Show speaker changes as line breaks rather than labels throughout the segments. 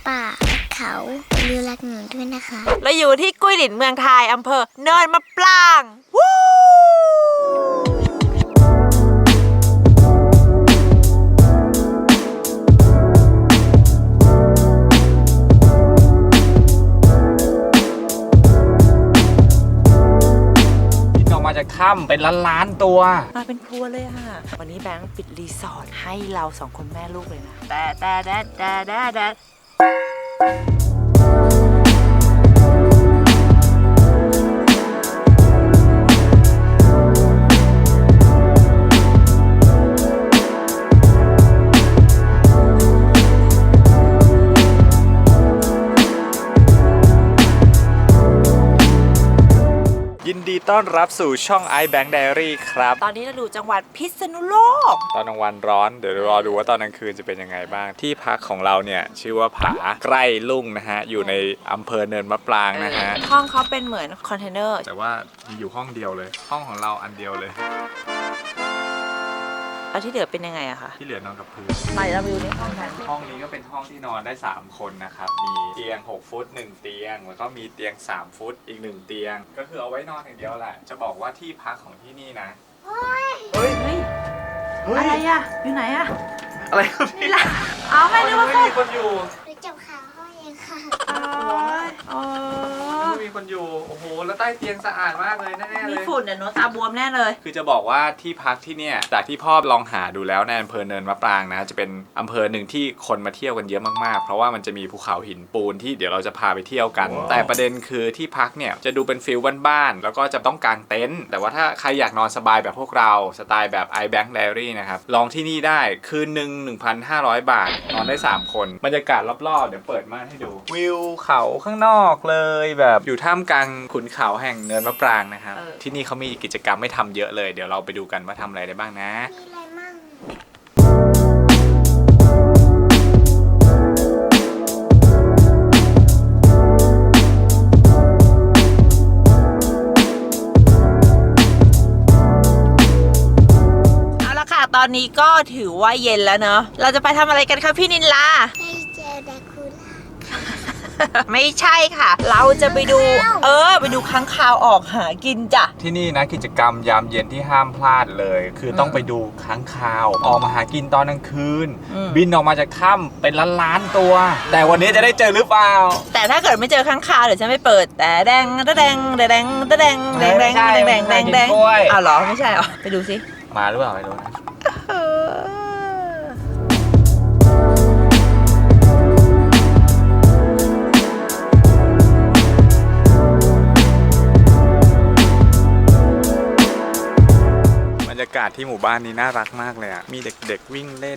ป่าและเขาลือรักหนูด้วยนะคะ
เราอยู่ที่กุ้ยหลินเมืองไทยอำเภอเนินมะปรางวู้
จากถ้ำเป็นล้านตัว
มาเป็นครัวเลยค่ะวันนี้แบงค์ปิดรีสอร์ทให้เราสองคนแม่ลูกเลยนะแต่
ยินดีต้อนรับสู่ช่อง iBank Diary ครับ
ตอนนี้เราอยู่จังหวัดพิษณุโลก
ตอนกลางวันร้อนเดี๋ยวรอดูว่าตอนกลางคืนจะเป็นยังไงบ้างที่พักของเราเนี่ยชื่อว่าผาใกล้ลุ่งนะฮะอยู่ในอำเภอเนินมะปรางนะฮะ
ห้องเขาเป็นเหมือนคอนเทนเนอร์
แต่ว่ามีอยู่ห้องเดียวเลยห้องของเราอันเดียวเลย
แล้วที่เหลือเป็นยังไงอะคะ
ที่เหลือนอนกับพื้น
ไปเราไปดูในห้องกัน
ห้องนี้ก็เป็นห้องที่นอนได้3คนนะครับมีเตียง6ฟุต1เตียงแล้วก็มีเตียง3ฟุตอีก1เตียงก็คือเอาไว้นอนอย่างเดียวแหละจะบอกว่าที่พักของที่นี่นะเฮ้ย
อะไรอะอยู่ไหนอะ
อะไรครับพี่
เอาไม่นึกว่า
มีคนอยู่
หนูจับขาห้องเองค่ะ
มีคนอยู่โอ้โหแล้วใต้เตียงสะอาดมากเลยแน่ๆเลย
มีฝุ่นเนี่ยโน้ตตาบวมแน่เลย
คือจะบอกว่าที่พักที่เนี่ยจากที่พ่อลองหาดูแล้วในอำเภอเนินมะปรางนะจะเป็นอำเภอหนึ่งที่คนมาเที่ยวกันเยอะมากๆเพราะว่ามันจะมีภูเขาหินปูนที่เดี๋ยวเราจะพาไปเที่ยวกัน แต่ประเด็นคือที่พักเนี่ยจะดูเป็นฟิลบ้านๆแล้วก็จะต้องกางเต็นท์แต่ว่าถ้าใครอยากนอนสบายแบบพวกเราสไตล์แบบ iBank Diary นะครับลองที่นี่ได้คืนนึง 1,500 บาทนอนได้3คนบรรยากาศรอบๆเดี๋ยวเปิดม่านให้ดูวิวเขาข้างนอกเลยแบบอยู่ท่ามกลางขุนเขาแห่งเนินมะปรางนะครับที่นี่เขามีกิจกรรมไม่ทำเยอะเลยเดี๋ยวเราไปดูกันว่าทำอะไรได้บ้างนะ
มีอะไรมั่ง
เอาละค่ะตอนนี้ก็ถือว่าเย็นแล้วเนอะเราจะไปทำอะไรกันคะพี่นินลา
ไปเจอแดคูล่า
ไม่ใช่ค่ะเราจะไปดูไปดูค้างคาวออกหากินจ้ะ
ที่นี่นะกิจกรรมยามเย็นที่ห้ามพลาดเลยคือต้องไปดูค้างคาวออกมาหากินตอนกลางคืนบินออกมาจากถ้ำเป็นล้านตัว แต่วันนี้จะได้เจอหรือเปล่า
แต่ถ้าเกิดไม่เจอค้างคาวเดี๋ยวฉันไม่เปิดแต่แดงอ้าวเหรอไม่ใช่เหรอไปดูสิ
มาหรือเปล่าไม่รู้นะบรรยากาศที่หมู่บ้านนี้น่ารักมากเลยอ่ะมีเด็กๆวิ่งเล่น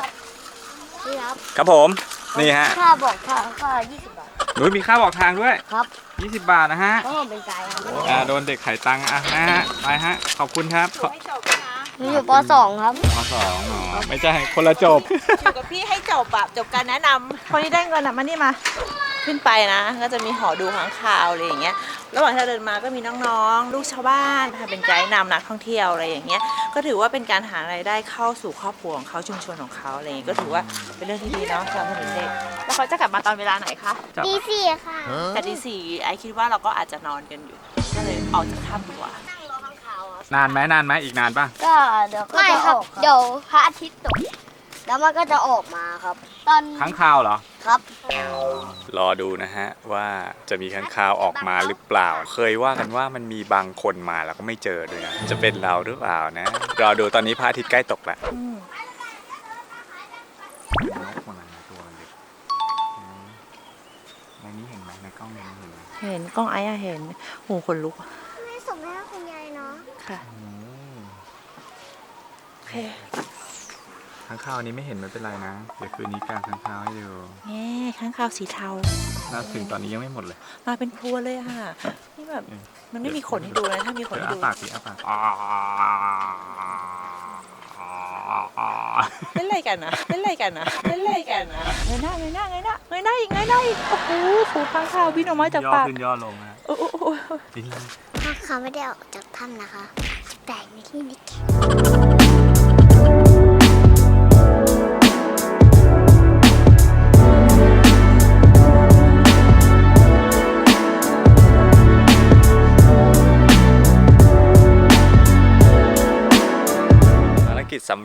ครับผมนี่ฮะ
ค่าบอกทางก็20 บาท
หนูมีค่าบอกทางด้วย
ครับ
20 บาทนะฮะ
เป็นไกด์
โดนเด็กไถ่ตังค์อ่ะนะฮะไปฮะขอบคุณครับ
หนูอยู่ป .2 ครับ
ป .2 อ๋อไม่ใช่คนละจบ
อยู่กับพี่ให้จบแบบจบการแนะนำคนที่ได้เงินมานี่มาขึ้นไปนะก็จะมีหอดูค้างคาวอะไรอย่างเงี้ยระหว่างที่เราเดินมาก็มีน้องๆลูกชาวบ้านเป็นไกด์นำนักท่องเที่ยวอะไรอย่างเงี้ยก็ถือว่าเป็นการหารายได้เข้าสู่ครอบครัวของเขาชุมชนของเขาอะไรอย่างเงี้ยก็ถือว่าเป็นเรื่องที่ดีเนาะสำหรับเด็กๆแล้วเขาจะกลับมาตอนเวลาไหนคะ
ตี 4ค่ะ
แต่ตี 4ไอคิดว่าเราก็อาจจะนอนกันอยู่ก็เลยออกจากถ้ำดีกว่
านานไหมอีกนานป่ะ
ก็เดี๋ยวก็จะออกเดี๋ยวพระอาทิตย์ตกแล้วมันก็จะออกมาครับตอน
ค้างคาวเหรอ
ครับ
รอดูนะฮะว่าจะมีค้างคาวออกมาหรือเปล่าเคยว่ากันว่ามันมีบางคนมาแล้วก็ไม่เจอด้วยนะจะเป็นเราหรือเปล่านะรอดูตอนนี้พระอาทิตย์ใกล้ตกแล้วนกมันตัวเล็กในนี้เห็นไหมในกล้องนี้
เห็นกล้องไอ้เห็นหูขนลุก
ไม่ส่งให้คุณยายเนาะ
ค่ะโอเค
ค้างคาวนี้ไม่เห็นไม่เป็นไรนะเดี๋ยวคืนนี้กางค้างคาวให้ดู
ค้างคาวสีเทา
น่าถึงตอนนี้ยังไม่หมดเลย
มาเป็นพรัวเลยค่ะนี่แบบมันไม่มีขนให้ดูนะถ้ามีขนให้ดู
ปากสิปาก
เล่นอะไรกันนะเงยหน้าอีกโอ้โหฝูงค้างคาวบินออกมาจากปาก
ย่อขึ้นย่อลงนะดิ้นเลย
ถ้าเขาไม่ได้ออกจากถ้ำนะคะแต่ในที่นี้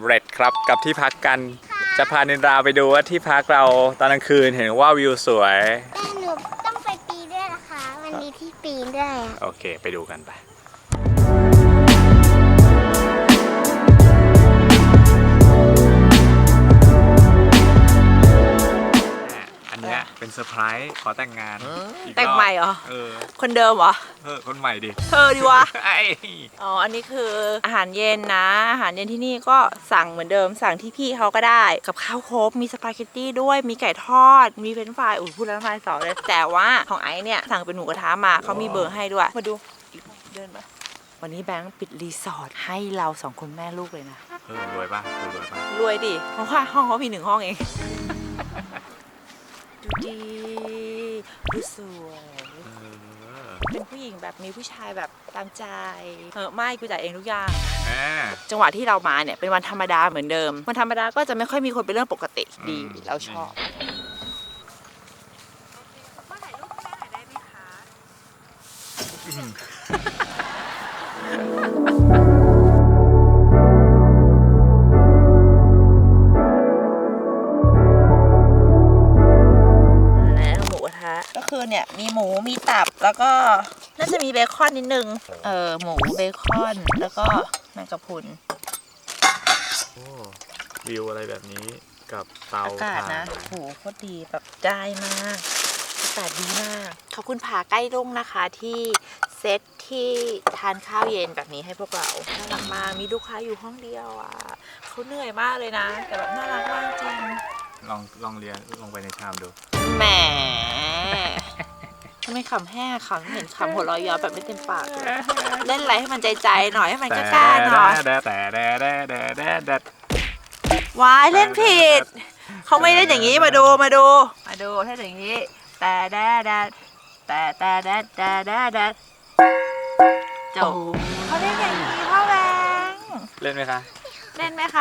เร็จครับกับที่พักกันจะพานินราไปดูว่าที่พักเราตอนกลางคืนเห็นว่าวิวสวย
แต่หนูต้องไปปีนด้วยนะคะมันมีที่ปีนด้วยอะ
โอเคไปดูกันไปอันเนี้ยเป็นเซอร์ไพรส์ขอแต่งงานอีกรอบ
แต่งใหม่เหรอ คนเดิมเหรอ
คนใหม่ดิ
เธอดีวะ
ไอ้
อ๋อ อันนี้คืออาหารเย็นนะ อาหารเย็นที่นี่ก็สั่งเหมือนเดิม สั่งที่พี่เขาก็ได้ กับข้าวครบ มีสปาเกตตี้ด้วย มีไก่ทอด มีเฟรนช์ฟรายอุ้ยพูดแล้วน้ำลายสอเลย แต่ว่าของไอซ์เนี่ยสั่งเป็นหมูกระทะมา เขามีเบอร์ให้ด้วย มาดูเดินมาวันนี้แบงค์ปิดรีสอร์ทให้เราสองคนแม่ลูกเลยนะ
รวยป่ะรวยป่ะ
รวยดิ เพราะว่าห้องเขามี1 ห้องเอง ดูดี ดูสวย เป็นผู้หญิงแบบมีผู้ชายแบบตามใจไม่กูจ่ายเองทุกอย่าง จังหวะที่เรามาเนี่ยเป็นวันธรรมดาเหมือนเดิม วันธรรมดาก็จะไม่ค่อยมีคนเป็นเรื่องปกติดีเราชอบมาถ่ายรูปแม่หน่อยได้ไหมคะแล้วหมูกระทะก็คือเนี่ยมีหมูมีตับแล้วก็น่าจะมีเบคอนนิดนึงหมูเบคอนแล้วก็แมงกะพรุน
วิวอะไรแบบนี้กับเตา
อากาศนะโหโคตรดีแบบได้มากอากาศดีมากขอบคุณผาใกล้รุ่งนะคะที่เซตที่ทานข้าวเย็นแบบนี้ให้พวกเราน่ารักมากมีลูกค้าอยู่ห้องเดียวอ่ะเขาเหนื่อยมากเลยนะแต่แบบน่ารักมากจริง
ลองเรียนลงไปในชามดู
แหมทำไมขำแห้งขำเห็นขำหัวเราะย้อนแบบไม่เต็มปากเลยเล่นอะไรให้มันใจๆหน่อยให้มันกล้าๆหน่อย วายเล่นผิดเขาไม่เล่นอย่างนี้มาดูถ้าอย่างนี้แต่จบเขาเล่นอย่างนี้พ่อแบงค์
เล่นไหมคะ
เล่นไหมคะ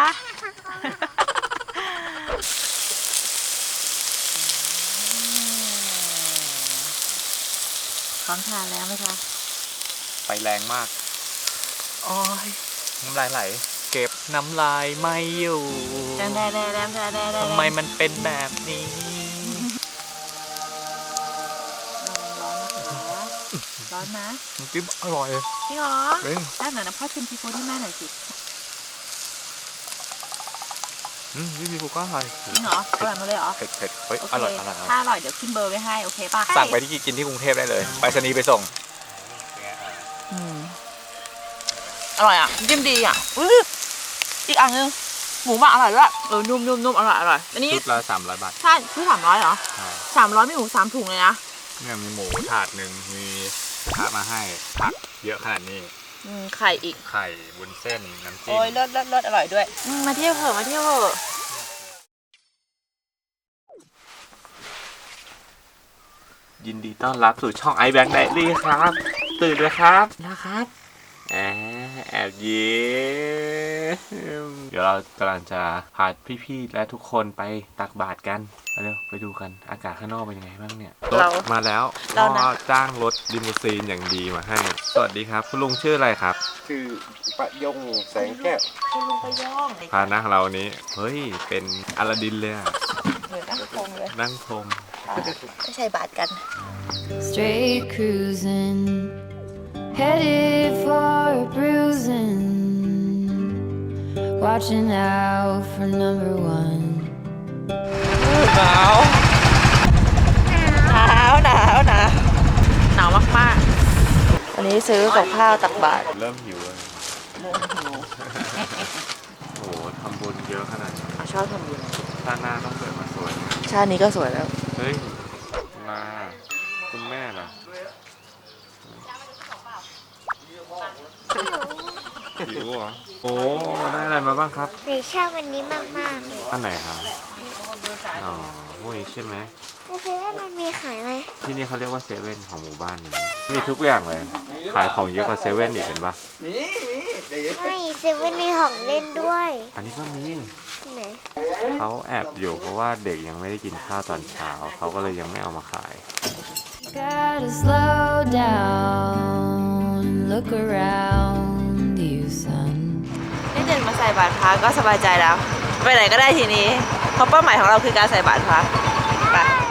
พร้อมทานแล้วไหมคะ
ไฟแรงมาก
โอ้ย
น้ำลายไหลเก็บน้ำลายไม่อยู่ทำไมมันเป็นแบบนี้
ร้อนนะ
น้ำจิ้มอร่อย
จริงเหรอ
เฮ้ย
ได้หน่อยนะพ่อชิมซีฟู้ดให้แม่หน่อยสิ
นี่มีกูก็อร่อย
จริงเหรออร่อยมาเลยเหรอ
เผ็ดเฮ้ย
โอเค
อร่อย
ถ้าอร่อยเดี๋ยวขึ้นเบอร์ไว้ให้โอเคป่ะ
สั่งไปที่กินที่กรุงเทพได้เลยไปรษณีย์ไปส่ง
อร่อยอ่ะจิ้มดีอ่ะอีกอันนึงหมูหมักอร่อยด้วยนุ่มอร่อยอันนี้
ชุดละ300 บาท
ใช่คือ300เหรอ
ใช่
300มีหมู3 ถุงเลยนะ
เนี่ยมีหมูถาดหนึ่งมีกระทะมาให้ผักเยอะขนาดนี้
ไข่อีก
ไข่วุ้นเส้นน้ำจิ้ม
โอ้ยเลิศอร่อยด้วยมาเที่ยวเถอะ
ยินดีต้อนรับสู่ช่อง iBank Diary ครับ ตื่นเลยครับนะครับแอบยิ้มเดี๋ยวเรากำลังจะพาพี่ๆและทุกคนไปตักบาตรกันเร็วไปดูกันอากาศข้างนอกเป็นยังไงบ้างเนี่ยรถมาแล้วพ่อจ้างรถลิมูซีนอย่างดีมาให้สวัสดีครับคุณลุงชื่ออะไรครับ
ชื่อประยงแสงแก้ว
คุณลุงไปย่อง
พานะเรานี้เฮ้ยเป็นอลาดินเลยอะ
เหมือนนั่งพงเลย
นั่งพรม
ไม่ใช่บาทกัน
Straight cruising, headed for a bruising. Watching out for number one.
หนาวมากๆวันนี้ซื้อกับข้าวตักบาตร
เริ่มหิวเลยโอ้โหทำบุญเยอะขนาดนี้
ชอบทำบุญ
ชาติหน้าต้องเกิดมาสวย
ชาตินี้ก็สวยแล้ว
เฮ้ยมาคุณแม่ล่ะหิวเหรอโอ้ได้อะไรมาบ้างครับ
หนูชอบวันนี้มากๆเลย
อันไหนครับอ๋อพวกนี้ใช่ไหม
โอเคแล้วมันมีขายไหม
ที่นี่เขาเรียกว่าเซเว่นของหมู่บ้านนี้มีทุกอย่างเลย ขายของเยอะกว่าเซเว่นอีกเห็นปะ
ไม่เซเว่นมีของเล่นด้วย
อันนี้ก็มี
ที่ไหน
เขาแอบอยู่เพราะว่าเด็กยังไม่ได้กินข้าวตอนเช้าเขาก็เลยยังไม่เอามาขาย
Gotta slow down, look around you, son.
เล่นเดินมาใส่บาตรพระก็สบายใจแล้วไปไหนก็ได้ทีนี้เพราะเป้าหมายของเราคือการใส่บาตรพระไป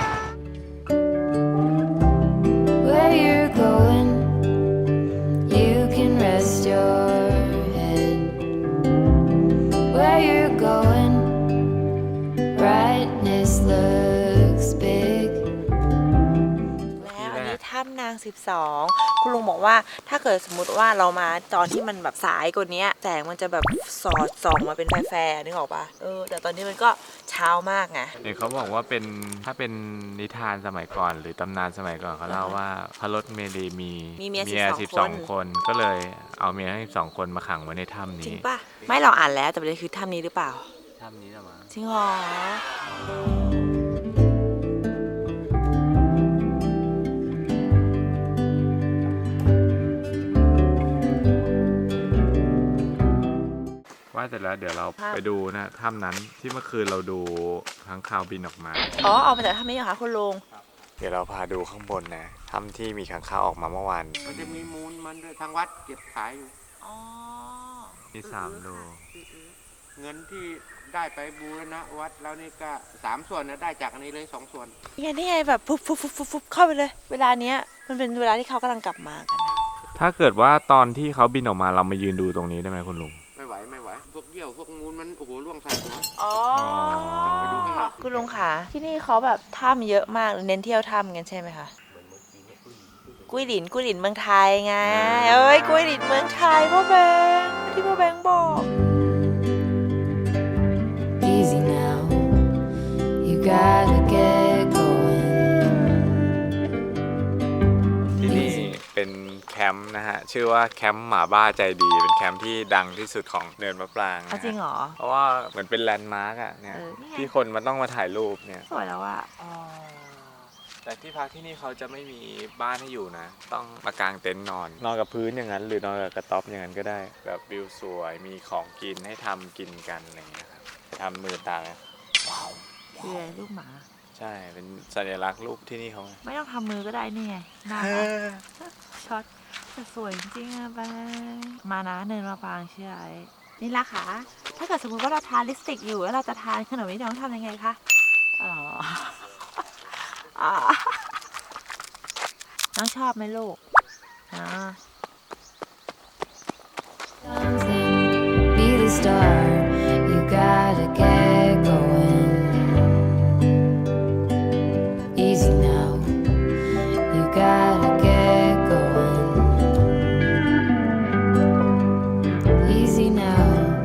Where you're going, you can rest your head. Where you're going, brightness looks big.
แล้วอันนี้ถ้ำนาง 12คุณลุงบอกว่าถ้าเกิดสมมติว่าเรามาตอนที่มันแบบสายกว่านี้แสงมันจะแบบสอดส่องมาเป็นแฟร์ๆนึกออกปะแต่ตอนนี้มันก็เช้ามากไง
เดี๋ยวเขาบอกว่าเป็นถ้าเป็นนิทานสมัยก่อนหรือตำนานสมัยก่อนเขาเล่าว่าพระรถเมลีมี
เมีย
12 คนก็เลยเอาเมียทั้ง12 คนมาขังไว้ในถ้ำ
จริ
นี้
งปะไม่เราอ่านแล้วแต่ประเด็นคือถ้ำนี้หรือเปล่า
ถ้ำนี้เหรอมั้ง
จริงเหรอ
ว่าแต่แล้วเดี๋ยวเราไปดูนะถ้ำนั้นที่เมื่อคืนเราดูค้างคาวบินออกมา
อ๋อเอามาจากถ้ำนี้เหรอคะคุณลุง
เดี๋ยวเราพาดูข้างบนนะถ้ำที่มีค้างคาวออกมาเมื่อวาน
มันจะมีมูลมันด้วยทางวัดเก็บขายอยู่
อ๋อ
ที่3 โล
เงินที่ได้ไปบูรณะวัดแล้วนี่ก็3 ส่วนนะได้จากอันนี้เลย2 ส่วน
นี่ไงแบบฟุบเข้าไปเลย เวลาเนี้ยมันเป็นเวลาที่เขากำลังกลับมากันนะ
ถ้าเกิดว่าตอนที่เขาบินออกมาเรามายืนดูตรงนี้ได้ไหมคุณลุง
ไม่ไหวพวกเยี่ยวพวกมูลมันโอ้โหล่วงใส่หัว
อ๋อ
ไปดูข้างหลัง
คุณลุงค่ะที่นี่เขาแบบถ้ำเยอะมากเน้นเที่ยวถ้ำกันใช่ไหมคะกุ้ยหลินเมืองไทยไงกุ้ยหลินเมืองไทยพ่อแบงค์ที่พ่อแบงค์บอก
Easy now, you gotta get going.
ที่นี่เป็นแคมป์นะฮะชื่อว่าแคมป์หมาบ้าใจดีเป็นแคมป์ที่ดังที่สุดของเนินมะปรางนะฮะ
จริงเหรอ
เพราะว่าเหมือนเป็นแลนด์มาร์กอะเนี่ย
นี่ไง
ที่คนมันต้องมาถ่ายรูปเนี่ย
สวยแล้วอะอ๋อ
แต่ที่พักที่นี่เขาจะไม่มีบ้านให้อยู่นะ ต้องมากางเต็นท์นอนกับพื้นอย่างนั้น หรือนอนกับกระต๊อบอย่างนั้นก็ได้ แบบวิวสวยมีของกินให้ทำกินกันอะไรอย่างเงี้ยครับทำมือตาไหม
คืออะไรลูกหมา
ใช่เป็นสัญลักษณ์รูปที่นี่เขาไง
ไม่ต้องทำมือก็ได้นี่ไงน่ารักช็อตแต่สวยจริงๆอะแบงค์มานะเนินมาปางเชื่อไอ้นี่ละค่ะถ้าเกิดสมมติว่าเราทานลิปสติกอยู่แล้วเราจะทานขนมนี้เราต้องทำยังไงคะอ๋อ น้องชอบไหมลูกอ๋อ
Something, be the star, you gotta get going. Easy now, you gotta get going. Easy now.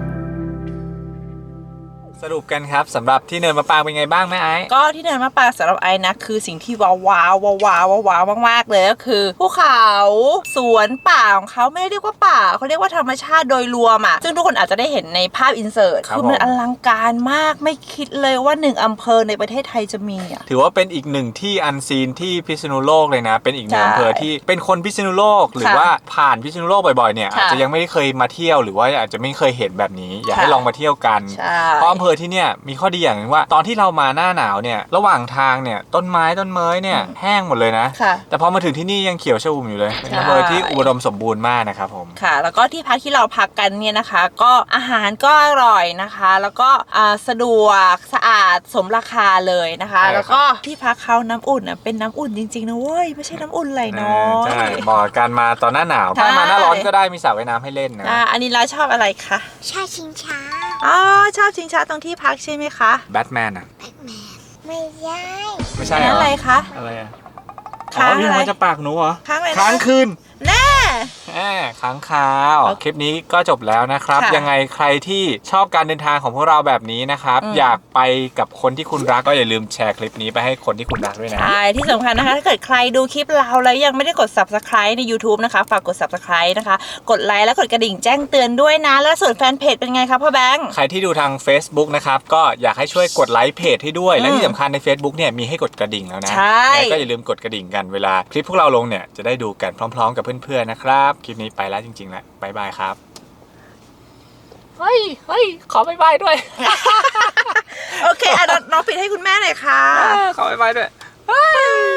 สรุปกันครับสำหรับที่เนินมะปรางเป็นไงบ้างแม่ไอ้
ก็ที่เนินมะปรางสำหรับไอ้นะคือสิ่งที่ว้าวมากๆเลยก็คือภูเขาสวนป่าของเขาไม่ได้เรียกว่าป่าเขาเรียกว่าธรรมชาติโดยรวมอ่ะซึ่งทุกคนอาจจะได้เห็นในภาพอินเสิร์ตคือมันอลังการมากไม่คิดเลยว่า1 อำเภอในประเทศไทยจะมีอ่ะ
ถือว่าเป็นอีกหนึ่งที่อันซีนที่พิษณุโลกเลยนะ เป็นอีกหนึ่ง
ใช่
อำเภอที่เป็นคนพิษณุโลกหรือว่าผ่านพิษณุโลกบ่อยๆเนี่ย
ค่ะ
อาจจะยังไม่ได้เคยมาเที่ยวหรือว่าอาจจะไม่เคยเห็นแบบนี้ อยากให้
ค่ะ
ลองมาเที่ยวกัน
ใช่
เพราะอำเภอที่เนี่ยมีข้อดีอย่างหนึงว่าตอนที่เรามาหน้าหนาวเนี่ยระหว่างทางเนี่ยต้นไม้เนี่ยแห้งหมดเลยนะ
ค่ะ
แต่พอมาถึงที่นี่ยังเขียวชอุ่มอยู่เลยเป็นอำเภอที่อุดมสมบูรณ์มากนะครับผม
ค่ะ แล้วก็ที่พักที่เราพักกันเนี่ยนะคะ ก็อาหารก็อร่อยนะคะ แล้วก็สะดวกสะอาดสมราคาเลยนะคะ
ใช่ครับ
แล้วก็ที่พักเขาน้ำอุ่นเป็นน้ำอุ่นจริงๆนะเว้ยไม่ใช่น้ำอุ่นไหลน้อย
ใช่เหมาะกับการมาตอนหน้าหนาว
ใช่
ถ้ามาหน้าร้อนก็ได้มีสระว่ายน้ำให้เล่นนะ
อันนี้เราชอบอะไรคะ
ชาชิงช้า
อ๋อชอบชิงช้าตรงที่พักใช่ไหมคะ
แบทแมนอ่ะ
ไม่ใช่
ไม่ใช่
อัน
เหร
นั้น
อ
อะไรคะ
อะไรอ่ะ
ค้าง
วิ่ง
อะไร
มาจะปากหนูเหรอ
ค้างอะไรนะ
ค้างคืน
แน่
ค้างคาว
โอเค
คลิปนี้ก็จบแล้วนะครับ
ค่ะ
ยังไงใครที่ชอบการเดินทางของพวกเราแบบนี้นะครับ อยากไปกับคนที่คุณรักก็อย่าลืมแชร์คลิปนี้ไปให้คนที่คุณรักด้วยนะ
ใช่ที่สำคัญนะคะถ้าเกิดใครดูคลิปเราแล้วยังไม่ได้กด subscribe ใน YouTube นะคะฝากกด subscribe นะคะกดไลค์และกดกระดิ่งแจ้งเตือนด้วยนะแล้วส่วนแฟนเพจเป็นไงครับพ่อแบงค์
ใครที่ดูทาง Facebook นะครับก็อยากให้ช่วยกดไลค์เพจให้ด้วย และที่สำคัญใน Facebook เนี่ยมีให้กดกระดิ่งแล้วนะ
ใช่
แล้วก็อย่าลืมกดกระดิ่งกันเวลาคลิปพวกเราลงเนี่ยจะได้ดูกันพร้อมๆกับเพื่อนๆนะครับคลิปนี้ไปแล้วจริงๆแล้วบ๊ายบายครับเฮ้ยขอบ๊ายบายด้วย
โอเคน้องปิดให้คุณแม่หน่อยค่ะ
ขอบ๊ายบายด้วย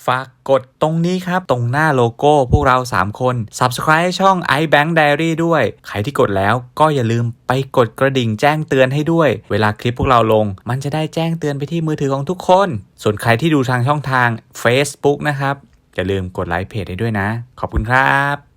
ฝากกดตรงนี้ครับตรงหน้าโลโก้พวกเรา3คน Subscribe ช่อง iBank Diary ด้วยใครที่กดแล้วก็อย่าลืมไปกดกระดิ่งแจ้งเตือนให้ด้วยเวลาคลิปพวกเราลงมันจะได้แจ้งเตือนไปที่มือถือของทุกคนส่วนใครที่ดูทางช่องทาง Facebook นะครับอย่าลืมกดไลค์เพจให้ด้วยนะขอบคุณครับ